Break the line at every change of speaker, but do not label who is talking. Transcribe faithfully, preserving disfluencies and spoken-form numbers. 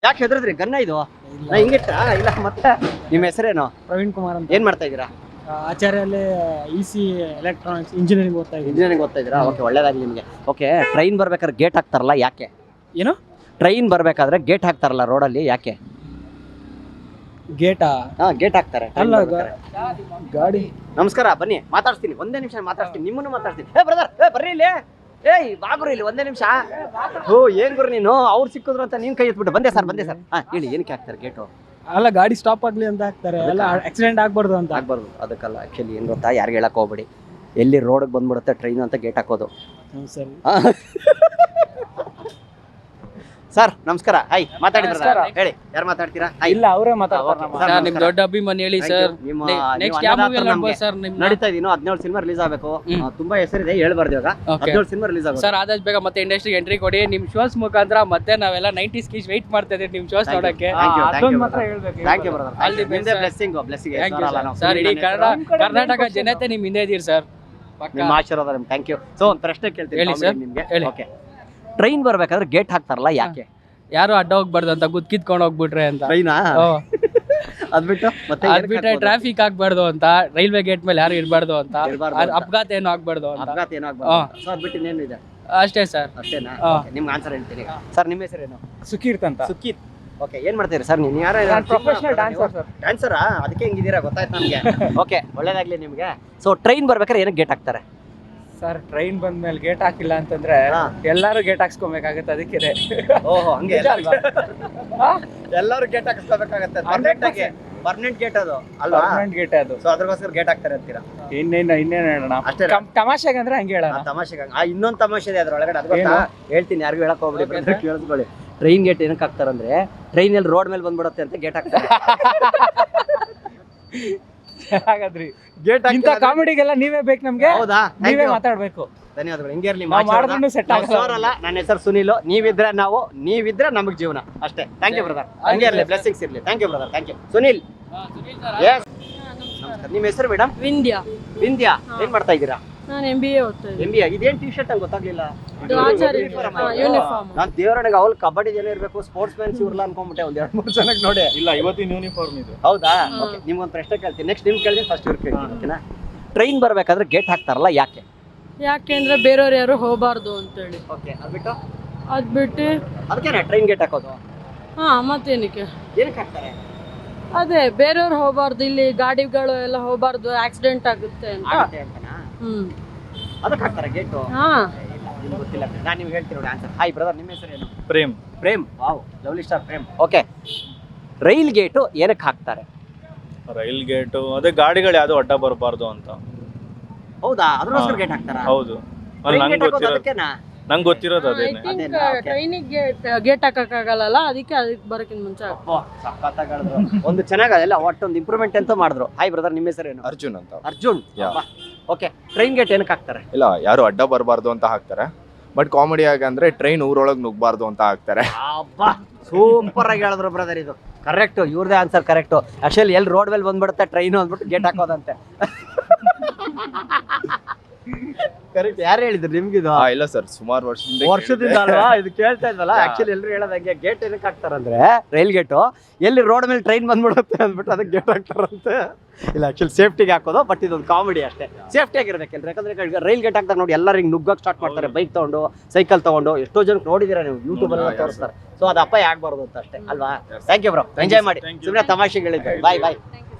ಯಾಕೆ ಹೆದರಿದ್ರಿ? ಗನ್ನ ಇದು ನಾ ಹಿಂಗಿಟ್ಟ ಇಲ್ಲ ಮತ್ತೆ. ನಿಮ್ಮ ಹೆಸರೇನು?
ಪ್ರವೀಣ್ ಕುಮಾರ್ ಅಂತ.
ಏನ್ ಮಾಡ್ತಾ ಇದ್ದೀರಾ?
ಆಚಾರ್ಯಲ್ಲಿ ಇ ಸಿ ಎಲೆಕ್ಟ್ರಾನಿಕ್ಸ್ ಇಂಜಿನಿಯರಿಂಗ್ ಓದ್ತಾ ಇದ್ದೀನಿ.
ಇಂಜಿನಿಯರಿಂಗ್ ಓದ್ತಾ ಇದ್ದೀರಾ? ಓಕೆ, ಒಳ್ಳೇದಾಗ್ಲಿ ನಿಮಗೆ. ಓಕೆ, ಟ್ರೈನ್ ಬರ್ಬೇಕಾದ್ರೆ ಗೇಟ್ ಹಾಕ್ತಾರಲ್ಲ ಯಾಕೆ?
ಏನು?
ಟ್ರೈನ್ ಬರ್ಬೇಕಾದ್ರೆ ಗೇಟ್ ಹಾಕ್ತಾರಲ್ಲ ರೋಡಲ್ಲಿ ಯಾಕೆ?
ಗೇಟಾ?
ಹಾ, ಗೇಟ್ ಹಾಕ್ತಾರೆ.
ಅಲ್ಲ, ಗಾಡಿ.
ನಮಸ್ಕಾರ, ಬನ್ನಿ ಮಾತಾಡ್ತೀನಿ. ಒಂದೇ ನಿಮಿಷ ಮಾತಾಡ್ತೀನಿ, ನಿಮ್ಮನ್ನು ಮಾತಾಡ್ತೀನಿ. ಏ ಬ್ರದರ್, ಏ ಬರ್ರಿ ಇಲ್ಲಿ. ಏಯ್ ಬಾಗುರು ಇಲ್ಲಿ ಒಂದೇ ನಿಮಿಷ. ಓ ಏನ್ ಗುರು ನೀನು? ಅವ್ರು ಸಿಕ್ಕಿದ್ರು ಅಂತ ನೀನ್ ಕೈ ಎತ್ಬಿಟ್ಟು ಬಂದೆ ಸರ್ ಬಂದೆ ಸರ್. ಹಾ ಹೇಳಿ, ಏನಕ್ಕೆ ಹಾಕ್ತಾರೆ ಗೇಟು?
ಅಲ್ಲ, ಗಾಡಿ ಸ್ಟಾಪ್ ಆಗ್ಲಿ ಅಂತ ಹಾಕ್ತಾರೆ. ಅಲ್ಲ, ಆಕ್ಸಿಡೆಂಟ್ ಆಗ್ಬಾರ್ದು ಅಂತ.
ಆಗ್ಬಾರ್ದು ಅದಕ್ಕಲ್ಲ. ಆಕ್ಚುಲಿ ಏನ್ ಗೊತ್ತಾ, ಯಾರಿಗೆ ಹೇಳಕ್ ಹೋಗ್ಬೇಡಿ, ಎಲ್ಲಿ ರೋಡ್ಗೆ ಬಂದ್ಬಿಡುತ್ತೆ ಟ್ರೈನ್ ಅಂತ ಗೇಟ್ ಹಾಕೋದು.
ಸರಿ
ಸರ್ ನಮಸ್ಕಾರ. ಹಾಯ್, ಮಾತಾಡಿದ್ರ? ಹೇಳಿ, ಯಾರು ಮಾತಾಡ್ತೀರಾ?
ಇಲ್ಲ, ಅವರೇ ಮಾತಾಡ್ತಾರೆ.
ನಿಮ್ ದೊಡ್ಡ ಅಭಿಮಾನಿ ಹೇಳಿ ಸರ್. ನೆಕ್ಸ್ಟ್ ಯಾವ ಮೂವಿ ನೋಡ್ಬೋದು ಸರ್? ನಿಮ್
ನಡೀತಾ ಇದೀನೋ ಹದಿನೇಳು ಸಿನಿಮಾ ರಿಲೀಸ್ ಆಗಬೇಕು. ತುಂಬಾ ಹೆಸರಿದೆ, ಹೇಳ್ಬಾರ್ದು ಇವಾಗ. ಹದಿನೇಳು ಸಿನಿಮಾ ರಿಲೀಸ್ ಆಗುತ್ತೆ
ಸರ್. ಆದಷ್ಟು ಬೇಗ ಮತ್ತೆ ಇಂಡಸ್ಟ್ರಿಗೆ ಎಂಟ್ರಿ ಕೊಡಿ. ನಿಮ್ ಶೋಸ್ ಮುಖಾಂತರ ಮತ್ತೆ ನಾವೆಲ್ಲ ನೈಂಟೀಸ್ ಕೀಸ್ ವೆಯ್ಟ್ ಮಾಡ್ತಾ ಇದೀವಿ ನಿಮ್ ಶೋಸ್ ನೋಡಕ್ಕೆ.
ಮಾತ್ರ ಹೇಳ್ಬೇಕು.
Thank you brother. All the best. Blessing blessing
sir. ಇಡೀ ಕರ್ನಾಟಕ ಜನತೆ ನಿಮ್ ಹಿಂದೆ ಇದೀರಿ ಸರ್.
ನಿಮ್ಮ ಆಶೀರ್ವಾದ. ಟಥ್ಯಾಂಕ್ ಯು. ಸೊ ಒಂದು ಪ್ರಶ್ನೆ ಕೇಳ್ತೀನಿ
ಹೇಳಿ ಸರ್.
ನಿಮ್ಗೆ.
ಹೇಳಿ.
ಓಕೆ, ಟ್ರೈನ್ ಬರ್ಬೇಕಾದ್ರೆ ಗೇಟ್ ಹಾಕ್ತಾರಲ್ಲ ಯಾಕೆ?
ಯಾರು ಅಡ್ಡ ಹೋಗ್ಬಾರ್ದು ಅಂತ, ಗುದ್ಕಿದ್ಕೊಂಡು ಹೋಗ್ಬಿಟ್ರೆ ಅಂತ.
ಟ್ರೈನಾ? ಅದ್ಬಿಟ್ಟು ಮತ್ತೆ
ಅದ್ಬಿಟ್ರೆ ಟ್ರಾಫಿಕ್ ಆಗ್ಬಾರ್ದು ಅಂತ, ರೈಲ್ವೆ ಗೇಟ್ ಮೇಲೆ ಯಾರು ಇರಬಾರ್ದು ಅಂತ, ಅಪಘಾತ ಏನು ಆಗ್ಬಾರ್ದು ಅಂತ.
ಅಪಘಾತ ಏನು ಆಗ್ಬಾರ್ದು. ಸೊ ಅದ್ಬಿಟ್ಟು ಇನ್ನೇನು ಇದೆ?
ಅಷ್ಟೇ ಸರ್.
ಅಷ್ಟೇನಾ? ನಿಮ್ಗೆ ಆನ್ಸರ್ ಹೇಳ್ತೀನಿ ಸರ್. ನಿಮ್ಮ ಹೆಸರೇನು?
ಸುಕೀರ್ತ್ ಅಂತ.
ಸುಕೀತ್. ಓಕೆ, ಏನ್ ಮಾಡ್ತೀರಿ ಸರ್ ನೀವು? ಯಾರು?
Professional dancer sir.
ಡ್ಯಾನ್ಸರಾ? ಅದಕ್ಕೆ ಹೆಂಗಿದ್ದೀರಾ ಗೊತ್ತಾಯ್ತು ನಮಗೆ. ಓಕೆ, ಒಳ್ಳೇದಾಗ್ಲಿ ನಿಮ್ಗೆ. ಸೊ ಟ್ರೈನ್ ಬರ್ಬೇಕಾದ್ರೆ ಏನಕ್ಕೆ ಗೇಟ್ ಹಾಕ್ತಾರೆ
ಸರ್? ಟ್ರೈನ್ ಬಂದ್ಮೇಲೆ ಗೇಟ್ ಹಾಕಿಲ್ಲ ಅಂತಂದ್ರೆ ಎಲ್ಲಾರು ಗೇಟ್ ಹಾಕ್ಸ್ಕೊಬೇಕಾಗತ್ತೆ. ಅದಕ್ಕೆ.
ಓಹೋ, ಹಂಗೆ ಎಲ್ಲರೂ ಗೇಟ್ ಹಾಕಿಸ್ಕೋಬೇಕಾಗತ್ತೆ. ಪರ್ಮನೆಂಟ್ ಆಗಿ ಪರ್ಮನೆಂಟ್ ಗೇಟ್ ಅದು ಅಲ್ವಾ?
ಪರ್ಮನೆಂಟ್ ಗೇಟ್ ಅದು.
ಸೊ ಅದ್ರಗೋಸ್ಕರ ಗೇಟ್ ಹಾಕ್ತಾರೆ ಅಂತೀರಾ?
ಇನ್ನೇನು ಇನ್ನೇನು ಹೇಳೋಣ,
ಅಷ್ಟೇ.
ತಮಾಷೆಗೆ ಅಂದ್ರೆ ಹಂಗೆ ಹೇಳೋಣ.
ತಮಾಷೆಗೆ. ಆ ಇನ್ನೊಂದು ತಮಾಷೆ ಇದೆ ಅದ್ರೊಳಗಡೆ, ಅದು ಗೊತ್ತಾ? ಹೇಳ್ತೀನಿ, ಯಾರಿಗೂ ಹೇಳಕ್ ಹೋಗ್ಬಿಡಿ, ಕೇಳಿಸ್ಕೊಳ್ಳಿ. ಟ್ರೈನ್ ಗೇಟ್ ಏನಕ್ಕೆ ಹಾಕ್ತಾರಂದ್ರೆ ಟ್ರೈನ್ ಎಲ್ಲಿ ರೋಡ್ ಮೇಲೆ ಬಂದ್ಬಿಡುತ್ತೆ ಅಂತ ಗೇಟ್ ಹಾಕ್ತಾರೆ.
ಹಾಗಾದ್ರಿ
ಗೇಟ್
ಇಂತ ಕಾಮಿಡಿಗೆಲ್ಲ ನೀವೇ ಬೇಕು ನಮ್ಗೆ.
ಹೌದಾ?
ನೀವೇ ಮಾತಾಡ್ಬೇಕು.
ಧನ್ಯವಾದಗಳು. ಹಿಂಗೆ ಇರ್ಲಿ.
ಮಾಡಿದ್ರು ಸೆಟ್ ಆಗಲ್ಲ.
ನನ್ನ ಹೆಸರು ಸುನೀಲ್. ನೀವಿದ್ರೆ ನಾವು, ನೀವಿದ್ರೆ ನಮಗ್ ಜೀವನ ಅಷ್ಟೇ. Thank you brother. ಹಂಗೆ ಇರ್ಲಿ, ಬ್ಲೆಸ್ಸಿಂಗ್ಸ್ ಇರ್ಲಿ. Thank you brother. Thank you Sunil. Yes, ನಿಮ್ಮ ಹೆಸರು ಮೇಡಮ್?
ವಿಂದ್ಯಾ.
ವಿಂದ್ಯಾ, ಏನ್ ಮಾಡ್ತಾ ಇದ್ದೀರಾ?
ನಾನು ಎಂ ಬಿ ಎ ಓದ್ತಾ ಇದ್ದೀನಿ.
M B A. ಇದೇನ್ ಟಿ ಶರ್ಟ್ ಅಂತ ಗೊತ್ತಾಗ್ಲಿಲ್ಲ.
ಯೂನಿಫಾರ್ಮ್.
ನಾನ್ ದೇವರನಿಗೆ ಅವಳು ಕಬಡ್ಡಿ ಜನ ಇರ್ಬೇಕು, ಸ್ಪೋರ್ಟ್ಸ್ ಮ್ಯಾನ್ಸ್ ಇವ್ರಲ್ಲ ಅನ್ಕೊಂಡ್ಬಿಟ್ಟೆ ಒಂದ್ ಎರಡು ಮೂರು ಜನಕ್ಕೆ ನೋಡಿ.
ಇಲ್ಲ, ಇವತ್ತಿನ ಯೂನಿಫಾರ್ಮ್ ಇದೆ.
ಹೌದಾ? ಓಕೆ, ನಿಮ್ಗೊಂದು ಪ್ರಶ್ನೆ ಕೇಳ್ತೀನಿ. ನೆಕ್ಸ್ಟ್ ನಿಮ್ ಕೇಳ್ತೀನಿ, ಫಸ್ಟ್ ಇವ್ರು ಕೇಳ್ತೀನಿ. ಓಕೆನಾ? ಟ್ರೈನ್ ಬರ್ಬೇಕಾದ್ರೆ ಗೇಟ್ ಹಾಕ್ತಾರಲ್ಲ ಯಾಕೆ?
ಯಾಕೆಂದ್ರೆ ಬೇರೆಯವ್ರು ಯಾರು ಹೋಗಬಾರ್ದು ಅಂತೇಳಿ.
ಓಕೆ, ಅದ್ಬಿಟ್ಟು
ಅದ್ಬಿಟ್ಟು
ಅದಕ್ಕೇನಾ ಟ್ರೈನ್ ಗೇಟ್ ಹಾಕೋದು?
ಹಾ, ಮತ್ತೇನಕ್ಕೆ?
ಏನಕ್ಕೆ ಹಾಕ್ತಾರೆ?
ಅದೇ ಬೇರೆಯವ್ರು ಹೋಗಬಾರ್ದು, ಇಲ್ಲಿ ಗಾಡಿಗಳು ಎಲ್ಲ ಹೋಗಬಾರ್ದು, ಆಕ್ಸಿಡೆಂಟ್ ಆಗುತ್ತೆ ಅಂತ.
ಆಗತ್ತೆ ಅಂತನಾ?
ಹ್ಮ್,
ಅದಕ್ಕೆ ಹಾಕ್ತಾರೆ ಗೇಟು?
ಹಾ.
ನಿಮ್ಗೆ ಗೊತ್ತಿಲ್ಲ, ನಾನು ನಿಮ್ಗೆ ಹೇಳ್ತೀನಿ ನೋಡಿ ಆನ್ಸರ್. ಹಾಯ್ ಬ್ರದರ್, ನಿಮ್ಮ ಹೆಸರೇನು?
Prem.
Prem. Wow, lovely star Prem. Okay, rail gate ಏನಕ್ಕೆ ಹಾಕ್ತಾರೆ?
ರೈಲ್ ಗೇಟು ಅದೇ ಗಾಡಿಗಳು ಯಾವ್ದು ಅಡ್ಡ ಬರಬಾರ್ದು ಅಂತ.
ಹೌದಾ? ಅದಕ್ಕೋಸ್ಕರ ಗೇಟ್ ಹಾಕ್ತಾರಾ?
ಹೌದು, ನಂಗೆ ಗೊತ್ತಿರೋದು ನಂಗೆ ಗೊತ್ತಿರೋದು ಅದೇನೆ.
ಟ್ರೈನಿಗೆ ಗೇಟ್ ಹಾಕಕ್ಕಾಗಲ್ಲ, ಅದಕ್ಕೆ ಅದಕ್ಕೆ ಬರೋಕ್ಕಿಂತ ಮುಂಚೆ.
ಒಂದು ಚೆನ್ನಾಗಲ್ಲ, ಒಟ್ಟೊಂದು ಇಂಪ್ರೂವ್ಮೆಂಟ್ ಅಂತ ಮಾಡಿದ್ರು. ಹಾಯ್ ಬ್ರದರ್, ನಿಮ್ಮ ಹೆಸರೇನು?
ಅರ್ಜುನ್ ಅಂತ.
ಅರ್ಜುನ್. ಓಕೆ, ಟ್ರೈನ್ ಗೇಟ್ ಏನಕ್ಕೆ ಹಾಕ್ತಾರೆ?
ಇಲ್ಲ, ಯಾರು ಅಡ್ಡ ಬರಬಾರ್ದು ಅಂತ ಹಾಕ್ತಾರೆ. ಬಟ್ ಕಾಮಿಡಿ ಆಗಿ ಅಂದ್ರೆ ಟ್ರೈನ್ ಊರೊಳಗೆ ನುಗ್ಬಾರ್ದು ಅಂತ ಹಾಕ್ತಾರೆ.
ಅಬ್ಬಾ, ಸೂಪರ್ ಆಗಿ ಹೇಳಿದ್ರು ಬ್ರದರ್. ಇದು ಕರೆಕ್ಟ್, ಇವ್ರದೇ ಆನ್ಸರ್ ಕರೆಕ್ಟ್. ಆಕ್ಚುಲಿ ಎಲ್ಲಿ ರೋಡ್ ಮೇಲೆ ಬಂದ್ಬಿಡುತ್ತೆ ಟ್ರೈನು ಅಂದ್ಬಿಟ್ಟು ಗೇಟ್ ಹಾಕೋದಂತೆ. ಕರೆಕ್ಟ್. ಯಾರು ಹೇಳಿದ್ರು ನಿಮ್ಗಿದು?
ಇಲ್ಲ ಸರ್, ಸುಮಾರು ವರ್ಷದಿಂದ
ವರ್ಷದಿಂದ ಅಲ್ವಾ ಇದು ಕೇಳ್ತಾ ಇದ್ವಲ್ಲ. ಆಕ್ಚುಲಿ ಎಲ್ಲರೂ ಹೇಳೋದಂಗೆ ಗೇಟ್ ಏನಕ್ಕೆ ಹಾಕ್ತಾರಂದ್ರೆ ರೈಲ್ ಗೇಟು ಎಲ್ಲಿ ರೋಡ್ ಮೇಲೆ ಟ್ರೈನ್ ಬಂದ್ಬಿಡುತ್ತೆ ಅಂದ್ಬಿಟ್ಟು ಅದಕ್ಕೆ ಗೇಟ್ ಹಾಕ್ತಾರಂತೆ. ಇಲ್ಲ, ಆಕ್ಚುಲಿ ಸೇಫ್ಟಿಗೆ ಹಾಕೋದು. ಬಟ್ ಇದೊಂದು ಕಾಮಿಡಿ ಅಷ್ಟೇ. ಸೇಫ್ಟಿ ಆಗಿರ್ಬೇಕಲ್ಲ, ಯಾಕಂದ್ರೆ ರೈಲ್ ಗೇಟ್ ಹಾಕ್ತಾರೆ ನೋಡಿ, ಎಲ್ಲರೂ ಹಿಂಗೆ ನುಗ್ಗಕ್ಕೆ ಸ್ಟಾರ್ಟ್ ಮಾಡ್ತಾರೆ. ಬೈಕ್ ತಗೊಂಡು, ಸೈಕಲ್ ತಗೊಂಡು, ಎಷ್ಟೋ ಜನಕ್ಕೆ ನೋಡಿದೀರಾ ನೀವು, ಯೂಟ್ಯೂಬ್ ಅಲ್ಲಿ ತೋರಿಸ್ತಾರೆ. ಸೊ ಅದು ಅಪಾಯ ಆಗ್ಬಾರ್ದು ಅಂತ ಅಷ್ಟೇ ಅಲ್ವಾ? ಥ್ಯಾಂಕ್ ಯು ಬ್ರೋ, ಎಂಜಾಯ್ ಮಾಡಿ. ಸುಮ್ಮನೆ ತಮಾಷೆಗಳಿದ್ದೆ. ಬಾಯ್ ಬಾಯ್.